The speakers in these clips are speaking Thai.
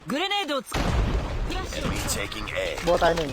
グレネードを使う。フラッシュ Enemy taking A. โบตายหนึ่ง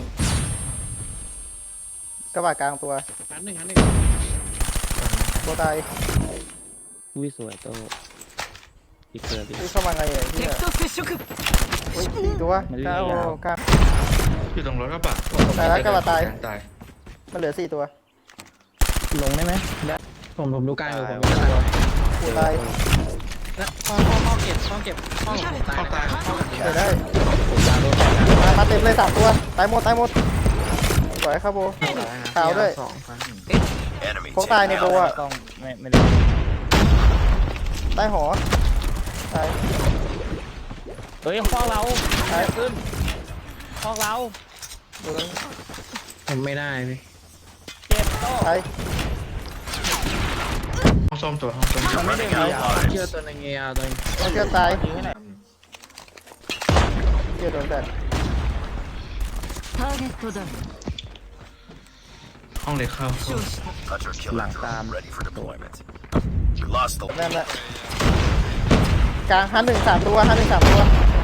กระบะกลางตัวหันหนึ่งโบตายอุ้ยสวยโตอีกเกิดดินี่เข้ามาไงอ่ะที่敵と接触。 อุ้ยสี่ตัวเก้ากลางอยู่ตรงรถกระบะตายแล้วกระบะตายตายมันเหลือ4ตัวลงได้ไหมได้ผมดูกลางอยู่ผมกูตายแล้วห้องเก็บห้องตายเข้าตายเข้าเดี๋ยวได้ยาโดนแตกนะมาเต็มเลย3ตัวตายหมดสวยครับโบขาวด้วยสองครั้ง Enemy พวกตายใน taking โบ Alpha. อ่ะต้องไม่ได้ใต้หอตายเฮ้ยห้องเราขึ้นห้องเราดูแล้วผมไม่ได้พี่เจ็บโตตายห้องส้มตัวห้องส้มมันไม่ได้มียาวเชื่อตัวในเงียตัวเองแล้วเชื่อตายยิงให้หน่อยเชื่อโดนแบดターゲットダウン。 ห้องเล็กเข้า負傷した。 Hunter killer drone ready for deployment. We lost the นั่น lead. แหละกลางฮัน1 3ตัวฮัน1 3ตัว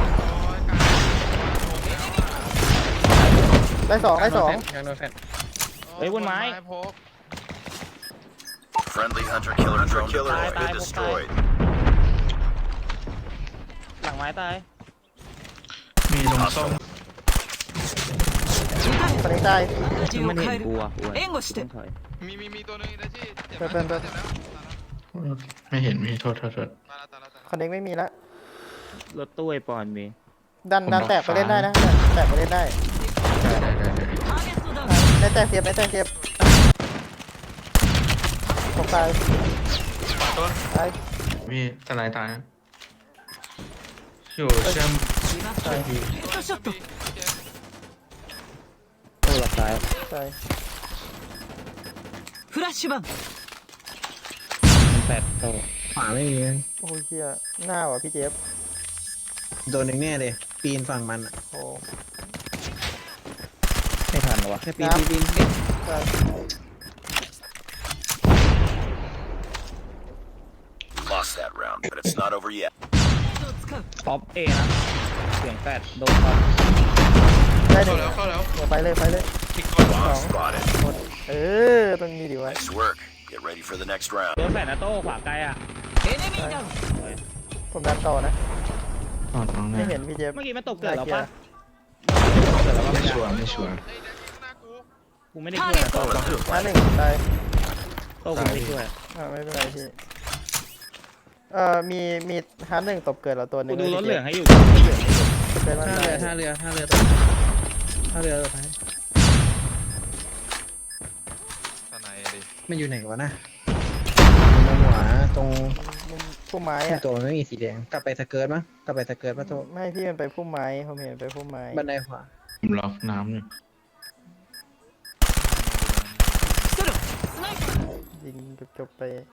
ได้2 ยังโดนแฟนเฮ้ยบนไม้ Friendly hunter killer drone deployed Bye, and bye, destroyed. หลังไม้ตายมีตรงส้มตอนนี้ตาย敵をมันเห็変นえกูる。 อ่ะ援護してต้องถอยมีตัวหนึงนะที่เจ็บเป็นไม่เห็นมีโทษตายแล้วตายแล้วคอนเน็กไม่มีแล้วรถตู้ไอปอนมีดันแตกไปเล่นได้นะแตกไปเล่นได้ได้ターゲットダウン。 ได้แตกเสียบได้แตกเสียบตกตายตัวตายมีทนายตายนะอยู่เชื่อมリバースヘッドショット。 โต้หลับซ้ายตายフラッシュバン。 มันแปดโตขวาไม่มีโอ้ยเฮียหน้าว่ะพี่เจฟโดนหนึ่งแน่เลยปีนฝั่งมันโอ้ไม่ทันหรอวะแค่ปีนตาย Lost that round, but it's not over yet. を使う。 ท็อปเอนะเสียงแปดโดนท็อปได้หนึ่เข้าง แล้วเดี๋ยวไปเลยอีกคน Bomb spotted. เออตรงนี้ดีวะ Nice work. Get ready for the next round. โดนแปดนะโต้ขวาไกลอ่ะエネミーダウン。 ผมดันต่อนะอ๋อตรงไม่นี้เห็นพี่เจฟเมื่อกี้มันตกเกิดแล้วปะไม่ชัวร์ไม่ชัวร์เฮ้ยเดี๋ยวข้างหน้ากูกูไม่ได้ช่วยนะโต้มาหนึ่งตายโต้กูไม่ได้ช่วยไม่เป็นไรพี่มีฮาร์ด1ตบเกิดเราตัวหนึกูงดูรถเหลืองให้อยู่เกิดมันท่าตาเรืยอท่าเรือตัวท้ายตอนไหนดิมันอยู่ไหนวะนะมันหัวตรงพุ่มไม้อะตัวไม่มีสีแดงกลับไปสเกิร์ตมั้งกลับไปสเกิร์ตป่ะโตไม่พี่มันไปพุ่มไม้ผมเห็นไปพุ่มไม้บันไดขวาผมล็อกน้ำอยู่ストロー。スナイパー。 ยิงจบไป